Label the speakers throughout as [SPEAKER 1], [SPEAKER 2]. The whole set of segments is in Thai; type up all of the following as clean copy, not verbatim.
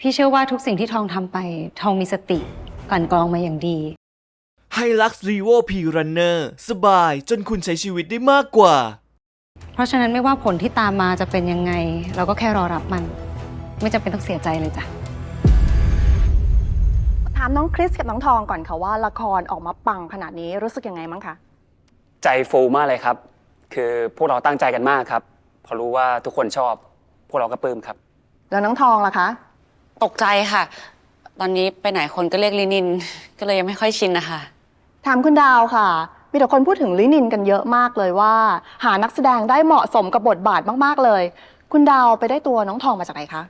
[SPEAKER 1] พี่เชื่อว่าทุกสิ่งที่ทองทำไปทองมีสติกลั่นกรองมาอย่างดี
[SPEAKER 2] Hilux Revo P Runner สบายจนคุณใช้ชีวิตได้มากกว่า
[SPEAKER 1] เพราะฉะนั้นไม่ว่าผลที่ตามมาจะเป็นยังไง เราก็แค่รอรับมัน ไม่จำเป็นต้องเสียใจเลยจ้ะ
[SPEAKER 3] ถามน้องคริสกับน้องทองก่อนค่ะว่าละครออกมาปังขนาดนี้รู้สึกยังไงมั้งคะ
[SPEAKER 4] ใจฟูมากเลยครับ คือพวกเราตั้งใจกันมากครับพอรู้ว่าทุกคนชอบ พวกเราก็ปลื้มครับ
[SPEAKER 3] แล้วน้องทองล่ะคะ
[SPEAKER 5] ตกใจค่ะ ตอนนี้ไปไหนคนก็เรียกลินิน ก็เลยยังไม่ค่อยชินนะคะ
[SPEAKER 3] ถามคุณดาวค่ะ มีแต่คนพูดถึงลินินกันเยอะมากเลยว่า หานักแสดงได้เหมาะสมกับบทบาทมากๆเลย คุณดาวไปได้ตัวน้องทองมาจากไหนคะ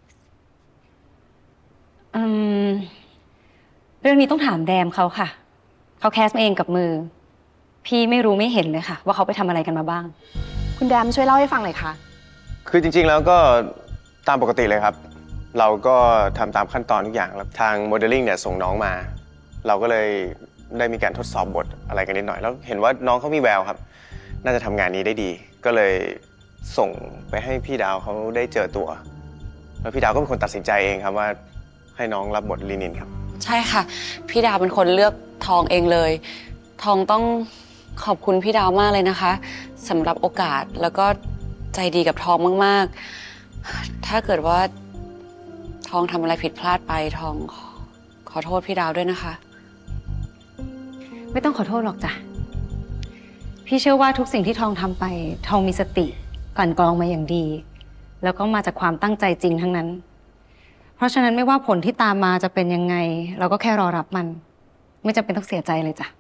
[SPEAKER 1] อืม เรื่องนี้ต้องถามแดมเขาค่ะ เขาแคสมาเองกับมือ พี่ไม่รู้ไม่เห็นเลยค่ะ ว่าเขาไปทำอะไรกันมาบ้าง
[SPEAKER 3] คุณแดมช่วยเล่าให้ฟังหน่อยค่ะ
[SPEAKER 6] คือจริงๆ แล้วก็ตามปกติเลยครับ เราก็ทำตามขั้นตอนทุกอย่างแล้วทางโมเดลลิ่งเนี่ยส่งน้องมา เราก็เลยได้มีการทดสอบบทอะไรกันนิดหน่อย แล้วเห็นว่าน้องเขามีแววครับ น่าจะทำงานนี้ได้ดี ก็เลยส่งไปให้พี่ดาวเขาได้เจอตัว แล้วพี่ดาวก็เป็นคนตัดสินใจเองครับว่าให้น้องรับบทลีนินครับ
[SPEAKER 5] ใช่ค่ะ พี่ดาวเป็นคนเลือกทองเองเลย ทองต้องขอบคุณพี่ดาวมากเลยนะคะสำหรับโอกาสแล้วก็ใจดีกับทองมากๆ ถ้าเกิดว่าทองทำอะไรผิดพลาดไปทองขอโทษพี่ดาวด้วยนะคะ
[SPEAKER 1] ไม่ต้องขอโทษหรอกจ้ะ พี่เชื่อว่าทุกสิ่งที่ทองทำไปทองมีสติกลั่นกรองมาอย่างดี แล้วก็มาจากความตั้งใจจริงทั้งนั้น เพราะฉะนั้นไม่ว่าผลที่ตามมาจะเป็นยังไง เราก็แค่รอรับมัน ไม่จำเป็นต้องเสียใจเลยจ้ะ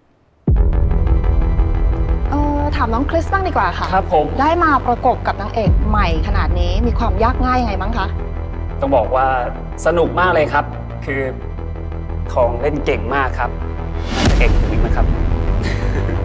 [SPEAKER 3] ถามน้องคริสบ้างดีกว่าค่ะ
[SPEAKER 4] ครับผม
[SPEAKER 3] ได้มาประกบกับนางเอกใหม่ขนาดนี้มีความยากง่ายยังไงบ้างคะ
[SPEAKER 4] ต้องบอกว่าสนุกมากเลยครับ คือทองเล่นเก่งมากครับน่าจะเก่งถึงอีกนะครับ